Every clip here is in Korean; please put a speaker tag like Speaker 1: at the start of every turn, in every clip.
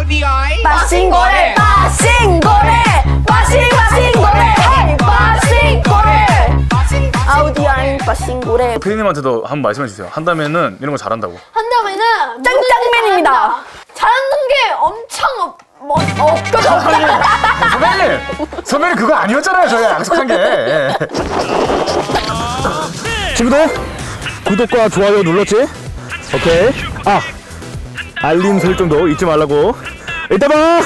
Speaker 1: 빠싱고래 아우디아인 빠싱고래.
Speaker 2: 피디님한테도 한번 말씀해주세요. 한다면은 이런 거 잘한다고.
Speaker 3: 한다면은
Speaker 1: 짱짱맨입니다.
Speaker 3: 잘하는 게 엄청 없거든.
Speaker 2: 선배님 그거 아니었잖아요. 저희가 약속한 게. 예. 친구들 구독과 좋아요 눌렀지? 오케이. 알림 설정도 잊지 말라고. 이따 봐.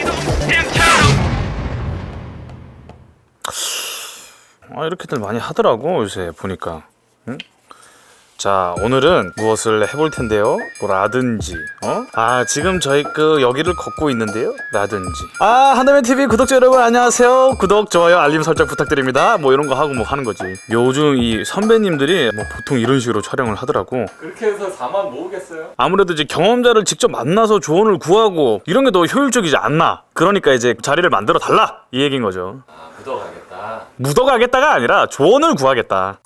Speaker 2: 이렇게들 많이 하더라고 요새 보니까. 응? 자, 오늘은 무엇을 해볼 텐데요. 뭐라든지 지금 저희 여기를 걷고 있는데요. 라든지 한다면TV 구독자 여러분 안녕하세요. 구독, 좋아요, 알림 설정 부탁드립니다. 뭐 이런 거 하고 뭐 하는 거지. 요즘 이 선배님들이 뭐 보통 이런 식으로 촬영을 하더라고.
Speaker 4: 그렇게 해서 4만 모으겠어요?
Speaker 2: 아무래도 이제 경험자를 직접 만나서 조언을 구하고 이런 게 더 효율적이지 않나. 그러니까 이제 자리를 만들어 달라 이 얘기인 거죠.
Speaker 4: 묻어가겠다.
Speaker 2: 묻어가겠다가 아니라 조언을 구하겠다.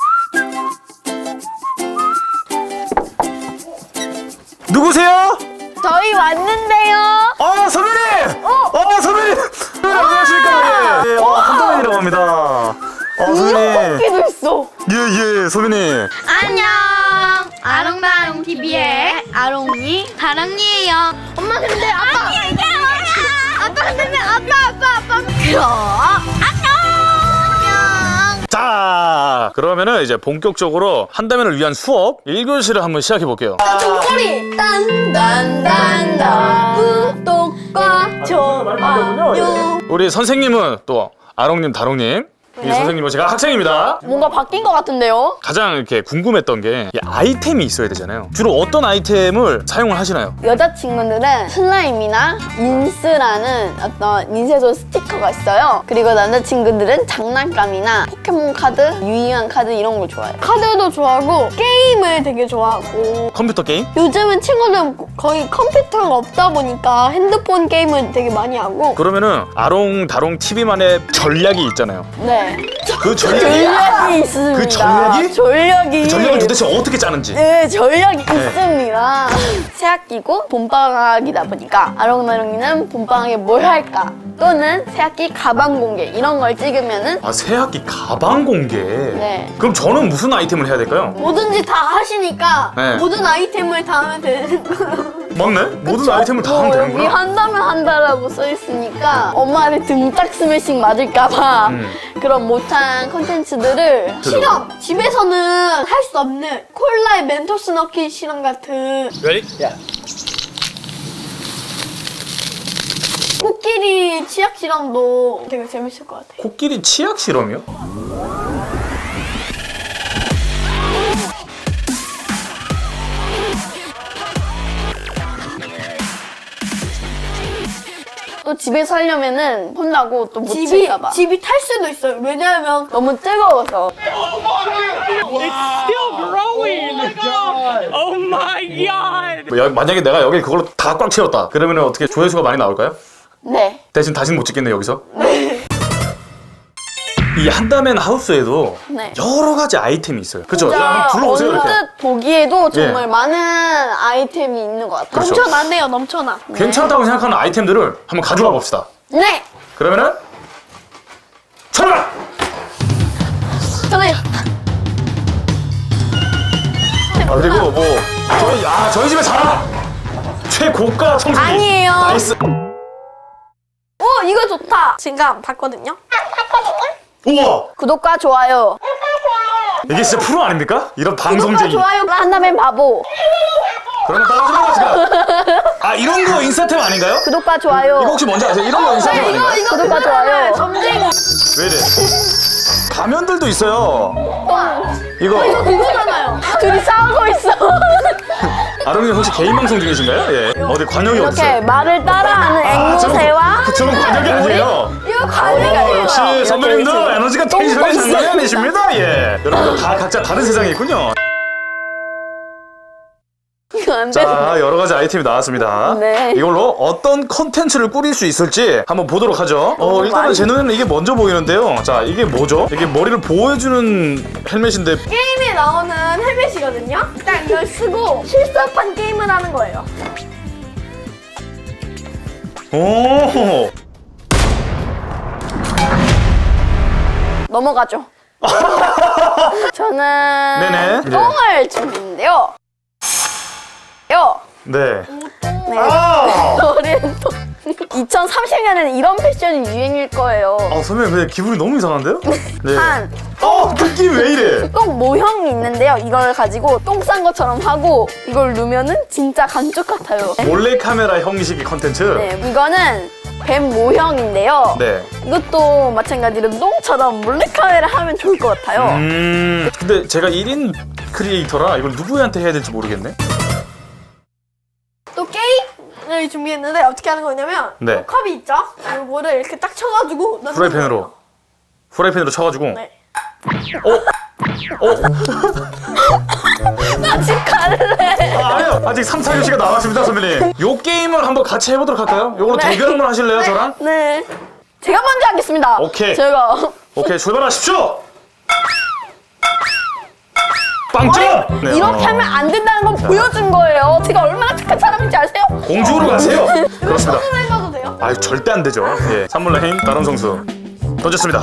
Speaker 2: 누구세요?
Speaker 1: 저희 왔는데요.
Speaker 2: 선배님! 선배님! 안녕하십니까? 예, 한동현이라고 합니다. 선배님.
Speaker 1: 토끼도 있어.
Speaker 2: 예, 선배님.
Speaker 3: 안녕. 아롱다롱 TV의 아롱이 다랑이에요. 엄마 근데 아빠 근데 아빠 그럼 안녕.
Speaker 2: 자, 그러면은 이제 본격적으로 한다면을 위한 수업 1교시를 한번 시작해 볼게요.
Speaker 3: 종소리 딴딴딴딴 구독과 좋아요.
Speaker 2: 우리 선생님은 또 아롱님, 다롱님. 이 선생님은 제가 학생입니다.
Speaker 1: 뭔가 바뀐 것 같은데요?
Speaker 2: 가장 이렇게 궁금했던 게 이 아이템이 있어야 되잖아요. 주로 어떤 아이템을 사용을 하시나요?
Speaker 1: 여자친구들은 슬라임이나 인스라는 어떤 인쇄소 스티커가 있어요. 그리고 남자친구들은 장난감이나 포켓몬 카드, 유희왕 카드 이런 걸 좋아해요.
Speaker 3: 카드도 좋아하고 게임을 되게 좋아하고
Speaker 2: 컴퓨터 게임?
Speaker 3: 요즘은 친구들 거의 컴퓨터가 없다 보니까 핸드폰 게임을 되게 많이 하고
Speaker 2: 그러면은 아롱, 다롱 TV만의 전략이 있잖아요.
Speaker 1: 네.
Speaker 2: 그
Speaker 1: 전략이 있습니다.
Speaker 2: 그 전략이?
Speaker 1: 전략이.
Speaker 2: 그 전략을 도대체 어떻게 짜는지.
Speaker 1: 네, 전략이 있습니다. 새학기고 봄방학이다 보니까 아롱나롱이는 봄방학에 뭘 할까? 또는 새학기 가방 공개 이런 걸 찍으면은
Speaker 2: 새학기 가방 공개?
Speaker 1: 네.
Speaker 2: 그럼 저는 무슨 아이템을 해야 될까요?
Speaker 3: 뭐든지 다 하시니까
Speaker 2: 네.
Speaker 3: 모든 아이템을 다 하면 되는 거예요.
Speaker 2: 맞네? 모든 아이템을 다 하면
Speaker 1: 여기
Speaker 2: 되는구나.
Speaker 1: 한다면 한다라고 써 있으니까 엄마를 등딱 스매싱 맞을까봐 그런 못한 컨텐츠들을
Speaker 3: 실험! 집에서는 할 수 없는 콜라에 멘토스 넣기 실험 같은 코끼리 치약 실험도 되게 재밌을 것 같아요.
Speaker 2: 코끼리 치약 실험이요?
Speaker 1: 또 집에서 하려면은 혼나고 또 못 칠까봐
Speaker 3: 집이 탈 수도 있어요. 왜냐하면
Speaker 1: 너무 뜨거워서.
Speaker 2: 만약에 내가 여기 그걸로 다 꽉 채웠다. 그러면 어떻게 조회수가 많이 나올까요?
Speaker 1: 네.
Speaker 2: 대신 다시는 못 찍겠네 여기서. 이 한다면 하우스에도
Speaker 1: 네.
Speaker 2: 여러 가지 아이템이 있어요. 그렇죠?
Speaker 1: 진짜
Speaker 2: 한번 둘러보세요 이렇게.
Speaker 1: 언뜻 보기에도 정말
Speaker 2: 예.
Speaker 1: 많은 아이템이 있는 것 같아요.
Speaker 2: 그렇죠.
Speaker 3: 넘쳐나네요. 넘쳐나.
Speaker 2: 괜찮다고 생각하는 아이템들을 한번 가져와 봅시다.
Speaker 1: 네.
Speaker 2: 그러면은 출발!
Speaker 1: 저는
Speaker 2: 그리고 뭐 저희 집에 자라 최고가 청소기.
Speaker 1: 아니에요.
Speaker 2: 나이스.
Speaker 3: 이거 좋다. 지금 봤거든요.
Speaker 2: 우와,
Speaker 1: 구독과 좋아요.
Speaker 2: 이게 진짜 프로 아닙니까? 이런 방송쟁이.
Speaker 1: 좋아요 한다면 바보.
Speaker 2: 그러면 따라하시는 거지가. 이런 거 인스타템 아닌가요?
Speaker 1: 구독과 좋아요.
Speaker 2: 이거 혹시 뭔지 아세요? 이런 거 인스타템 아닌가요?
Speaker 1: 구독과 좋아요.
Speaker 3: 점쟁이.
Speaker 2: 왜 이래? 가면들도 있어요. 이거
Speaker 3: 이거잖아요.
Speaker 1: 둘이 싸우고 있어.
Speaker 2: 아롱님 혹시 개인 방송 중이신가요? 예. 어디 관역이
Speaker 1: 이렇게
Speaker 2: 어딨어요?
Speaker 1: 말을 따라하는 앵무새와
Speaker 2: 저는 관역이 아니에요.
Speaker 3: 이거 관리가
Speaker 2: 역시 선배님도
Speaker 1: 이렇게
Speaker 2: 에너지가
Speaker 1: 똥
Speaker 2: 텐션이
Speaker 1: 있어요.
Speaker 2: 장난이 아니십니다. 예. 여러분들 다 각자 다른 세상에 있군요.
Speaker 1: 이거 안 돼.
Speaker 2: 자, 여러 가지 아이템이 나왔습니다.
Speaker 1: 네.
Speaker 2: 이걸로 어떤 컨텐츠를 꾸릴 수 있을지 한번 보도록 하죠. 일단은
Speaker 1: 많이-
Speaker 2: 제 눈에는 이게 먼저 보이는데요. 자, 이게 뭐죠? 이게 머리를 보호해주는 헬멧인데
Speaker 3: 게임에 나오는 헬멧이거든요. 딱 이걸 쓰고 실사판 게임을 하는 거예요.
Speaker 2: 오.
Speaker 1: 넘어가죠. 저는
Speaker 2: 네네.
Speaker 1: 똥을 준비했는데요.
Speaker 2: 네.
Speaker 1: 네.
Speaker 2: 아!
Speaker 1: 어린 똥. 2030년에는 이런 패션이 유행일 거예요.
Speaker 2: 선배님 근데 기분이 너무 이상한데요? 네.
Speaker 1: 한
Speaker 2: 느낌 왜 이래?
Speaker 1: 똥 모형이 있는데요. 이걸 가지고 똥 싼 것처럼 하고 이걸 누면은 진짜 감쪽 같아요.
Speaker 2: 몰래 카메라 형식의 컨텐츠.
Speaker 1: 네, 이거는 뱀 모형인데요.
Speaker 2: 네.
Speaker 1: 이것도 마찬가지로 똥처럼 몰래카메라 하면 좋을 것 같아요.
Speaker 2: 근데 제가 1인 크리에이터라 이걸 누구한테 해야 될지 모르겠네.
Speaker 3: 또 게임을 준비했는데 어떻게 하는 거냐면
Speaker 2: 네.
Speaker 3: 요 컵이 있죠? 요거를 이렇게 딱 쳐가지고 넣는 거예요.
Speaker 2: 후라이팬으로 쳐가지고.
Speaker 3: 네.
Speaker 1: 나 집 갈래.
Speaker 2: 아니요. 아직 3, 4교시가 남았습니다, 선배님. 요 게임을 한번 같이 해보도록 할까요? 요걸로
Speaker 1: 네.
Speaker 2: 대결 한번 하실래요, 저랑?
Speaker 1: 네. 제가 먼저 하겠습니다.
Speaker 2: 오케이.
Speaker 1: 제가.
Speaker 2: 오케이, 출발하십시오! 빵점! 네,
Speaker 1: 이렇게 하면 안 된다는 걸 보여준 거예요. 제가 얼마나 착한 사람인지 아세요?
Speaker 2: 공주로 가세요! 그렇습니다.
Speaker 3: 손으로 해봐도 돼요?
Speaker 2: 아유, 절대 안 되죠. 예. 산물라인 다른 성수. 던졌습니다.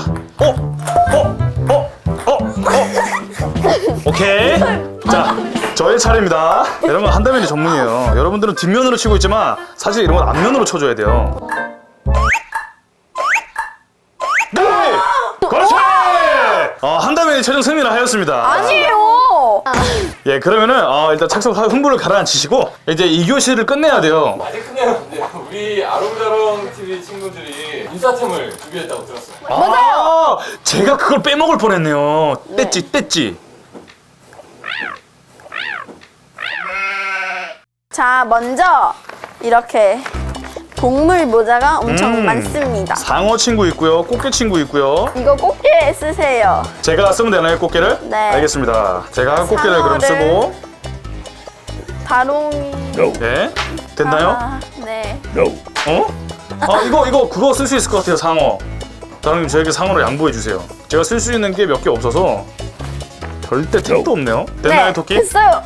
Speaker 2: 오케이. 자, 저의 차례입니다. 이런 건 한다면이 전문이에요. 여러분들은 뒷면으로 치고 있지만 사실 이런 건 앞면으로 쳐줘야 돼요. 네! 그렇지! 한다면이 최종 승리를 하였습니다.
Speaker 1: 아니에요.
Speaker 2: 예, 그러면은 일단 착석 흥분을 가라앉히시고 이제 2교시를 끝내야 돼요.
Speaker 4: 아직 끝내면 안 돼요. 우리 아롱다롱 TV 친구들이 인사템을 준비했다고 들었어요.
Speaker 2: 맞아요. 제가 그걸 빼먹을 뻔했네요. 뗐지.
Speaker 1: 자, 먼저 이렇게 동물 모자가 엄청 많습니다.
Speaker 2: 상어 친구 있고요. 꽃게 친구 있고요.
Speaker 1: 이거 꽃게 쓰세요.
Speaker 2: 제가 쓰면 되나요, 꽃게를?
Speaker 1: 네.
Speaker 2: 알겠습니다. 제가 꽃게를 그럼
Speaker 1: 상어를
Speaker 2: 쓰고.
Speaker 1: 다롱이.
Speaker 2: 네. 됐나요?
Speaker 1: 네.
Speaker 2: 이거 그거 쓸 수 있을 것 같아요, 상어. 다롱님 저에게 상어를 양보해 주세요. 제가 쓸 수 있는 게 몇 개 없어서 절대 택도 없네요. 됐나요,
Speaker 1: 네,
Speaker 2: 토끼?
Speaker 1: 됐어요.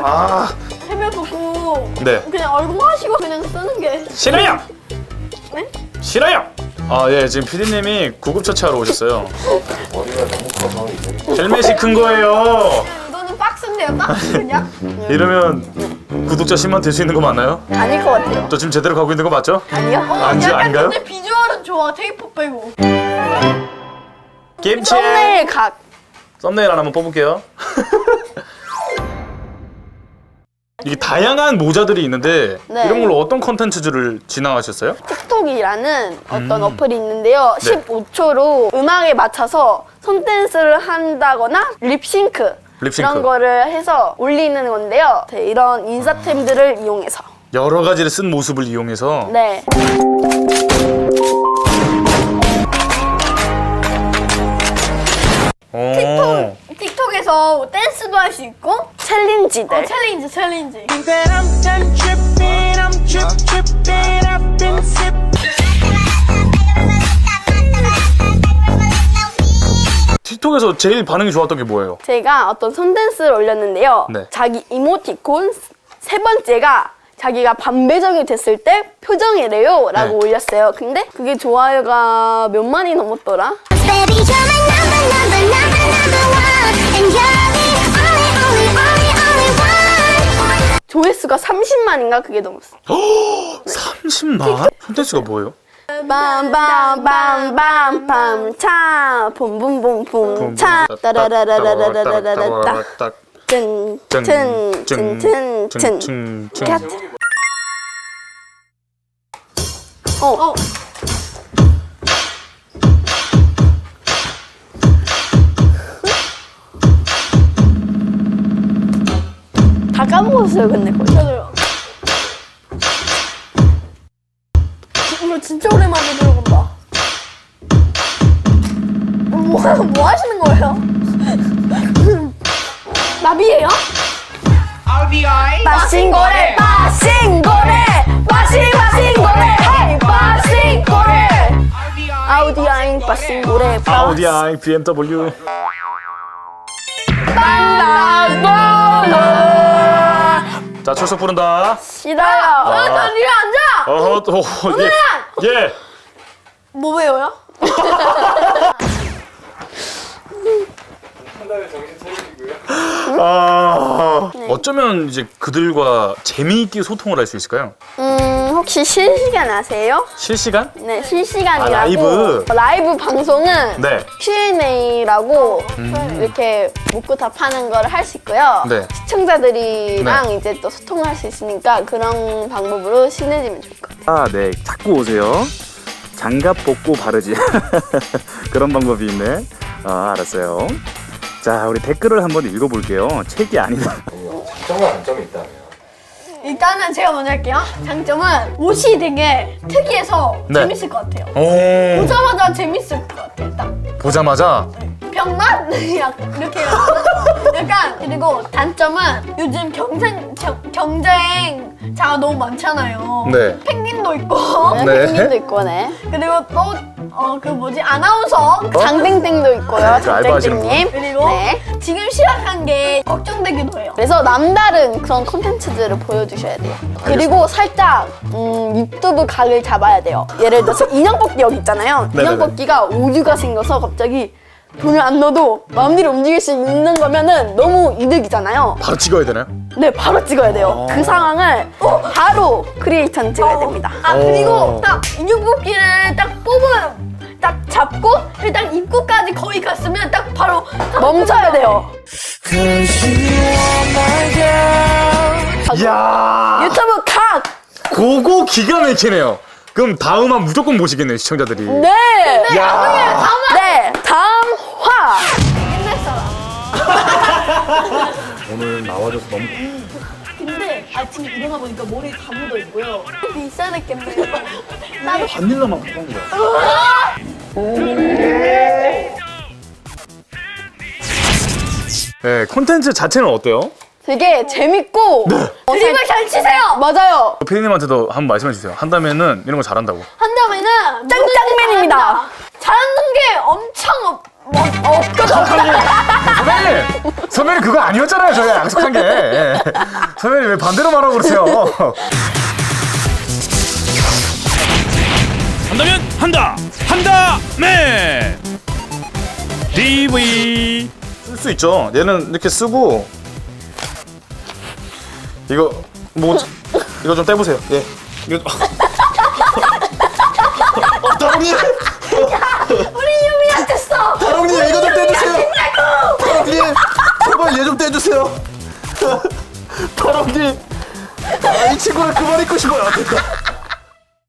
Speaker 3: 해명보고
Speaker 2: 네.
Speaker 3: 그냥 얼굴 하시고 그냥 쓰는 게
Speaker 2: 싫어요.
Speaker 3: 네?
Speaker 2: 싫어요. 예, 지금 PD님이 구급처치하러 오셨어요.
Speaker 4: 머리가 너무 커서 이제
Speaker 2: 헬멧이 큰 거예요.
Speaker 3: 이거는 박스인데요, 박스 그냥?
Speaker 2: 이러면 구독자 10만 될 수 있는 거 맞나요?
Speaker 1: 아닐 것 같아요.
Speaker 2: 저 지금 제대로 가고 있는 거 맞죠?
Speaker 1: 아니요?
Speaker 2: 아닌가요?
Speaker 3: 근데 비주얼은 좋아, 테이프 빼고.
Speaker 2: 김치.
Speaker 1: 썸네일 각.
Speaker 2: 썸네일 하나 한번 뽑을게요. 이게 다양한 모자들이 있는데
Speaker 1: 네.
Speaker 2: 이런 걸로 어떤 컨텐츠들을 진행하셨어요?
Speaker 1: 틱톡이라는 어떤 어플이 있는데요.
Speaker 2: 네.
Speaker 1: 15초로 음악에 맞춰서 손댄스를 한다거나 립싱크.
Speaker 2: 립싱크.
Speaker 1: 이런 거를 해서 올리는 건데요. 네, 이런 인사템들을 이용해서.
Speaker 2: 여러 가지를 쓴 모습을 이용해서
Speaker 1: 네.
Speaker 3: 틱톡에서 댄스도 할 수 있고
Speaker 1: 챌린지들.
Speaker 3: 챌린지
Speaker 5: that I'm done tripping, I'm tripping, I've been sipping.
Speaker 2: 틱톡에서 제일 반응이 좋았던 게 뭐예요?
Speaker 1: 제가 어떤 손댄스를 올렸는데요.
Speaker 2: 네.
Speaker 1: 자기 이모티콘 세 번째가 자기가 반배정이 됐을 때 표정이래요 라고
Speaker 2: 네.
Speaker 1: 올렸어요. 근데 그게 좋아요가 몇 만이 넘었더라?
Speaker 6: Baby, you're my number one, and you're the only one.
Speaker 1: 조회수가 30만인가 그게 넘었어.
Speaker 2: 30만? 콘텐츠가 뭐예요?
Speaker 1: 빰빰빰빰빰 차 봄봄봄봄 차 따라라라라라라라라 짠짠짠짠짠 갓. 다 까먹었어요 근데 거의.
Speaker 3: 저도요. 이거 진짜 오랜만에 들어본다. 뭐 하시는 거예요? 나비예요?
Speaker 1: 빠싱고래 빠싱고래 빠싱고래 헤이 빠싱고래 아우디아잉 빠싱고래
Speaker 2: 아우디아이 BMW. 자, 출석 부른다.
Speaker 1: 싫어요.
Speaker 3: 나 이리 앉아!
Speaker 2: 또 예. 예.
Speaker 3: 뭐 배워요?
Speaker 4: 한 달에 정신 차리시고요.
Speaker 2: 어쩌면 이제 그들과 재미있게 소통을 할 수 있을까요?
Speaker 1: 혹시 실시간 아세요?
Speaker 2: 실시간?
Speaker 1: 네, 실시간이라고.
Speaker 2: 라이브.
Speaker 1: 라이브 방송은
Speaker 2: 네.
Speaker 1: Q&A라고 이렇게 묻고 답하는 걸 할 수 있고요.
Speaker 2: 네.
Speaker 1: 시청자들이랑 이제 또 소통할 수 있으니까 그런 방법으로 친해지면 좋을 것 같아요.
Speaker 2: 아, 네. 자꾸 오세요. 장갑 벗고 바르지. 그런 방법이 있네. 아, 알았어요. 자, 우리 댓글을 한번 읽어볼게요. 책이 아니다.
Speaker 4: 장점과 단점이 있다면?
Speaker 3: 일단은 제가 먼저 할게요. 장점은 옷이 되게 특이해서
Speaker 2: 네.
Speaker 3: 재밌을 것 같아요.
Speaker 2: 오.
Speaker 3: 보자마자 재밌을 것 같아요. 딱
Speaker 2: 보자마자.
Speaker 3: 병맛 약간 이렇게 약간 그리고 단점은 요즘 경쟁자가 너무 많잖아요.
Speaker 2: 네.
Speaker 3: 펭귄도 있고
Speaker 2: 네.
Speaker 1: 펭귄도 있고, 네.
Speaker 3: 그리고 또 그 뭐지 아나운서
Speaker 1: 장땡땡도 있고요,
Speaker 2: 그 알바하시는
Speaker 1: 장땡땡님.
Speaker 3: 그리고
Speaker 1: 네.
Speaker 3: 지금 시작한 게 걱정되기도 해요.
Speaker 1: 그래서 남다른 그런 콘텐츠들을 보여주셔야 돼요. 그리고 살짝 유튜브 각을 잡아야 돼요. 예를 들어서 인형 뽑기 여기 있잖아요.
Speaker 2: 네네네.
Speaker 1: 인형 뽑기가 오류가 생겨서 갑자기 돈을 안 넣어도 마음대로 움직일 수 있는 거면은 너무 이득이잖아요.
Speaker 2: 바로 찍어야 되나요?
Speaker 1: 네, 바로 찍어야 돼요. 그 상황을 바로 크리에이터는 찍어야 됩니다.
Speaker 3: 아 그리고 딱 인형 뽑기를 딱 뽑으면 딱 잡고 일단 입구까지 거의 갔으면 딱 바로
Speaker 1: 멈춰야 돼요.
Speaker 2: 이야.
Speaker 1: 유튜브 각!
Speaker 2: 그거 기가 막히네요. 그럼 다음화 무조건 보시겠네요, 시청자들이.
Speaker 1: 네!
Speaker 2: 야.
Speaker 1: 네, 다음 화!
Speaker 2: 오늘 나와줘서 너무
Speaker 3: 근데 아침에 일어나 보니까 머리에 다 묻어 있고요. 비싸겠네요.
Speaker 2: 바닐라만 바꾼 거야. 네, 콘텐츠 자체는 어때요?
Speaker 1: 되게 재밌고
Speaker 3: 드립을 잘 치세요.
Speaker 1: 맞아요.
Speaker 2: 피디님한테도 한번 말씀해 주세요. 한다면은 이런 거 잘한다고.
Speaker 3: 한다면은
Speaker 1: 짱짱맨입니다.
Speaker 3: 잘하는 게 엄청
Speaker 2: 선배님 그거 아니었잖아요. 저희가 약속한 게. 예. 선배님 왜 반대로 말하고 그러세요?
Speaker 7: 한다면 한다 한다맨 TV
Speaker 2: 쓸 수 있죠. 얘는 이렇게 쓰고 이거 뭐 이거 좀 떼보세요. 예. 이거 다롱님.
Speaker 3: 우리 유미한테어
Speaker 2: 다롱님 이거 좀 떼주세요. 다롱님 제발 얘 좀 떼주세요. 다롱님 이 친구를 그만 입고 싶어요. 됐다.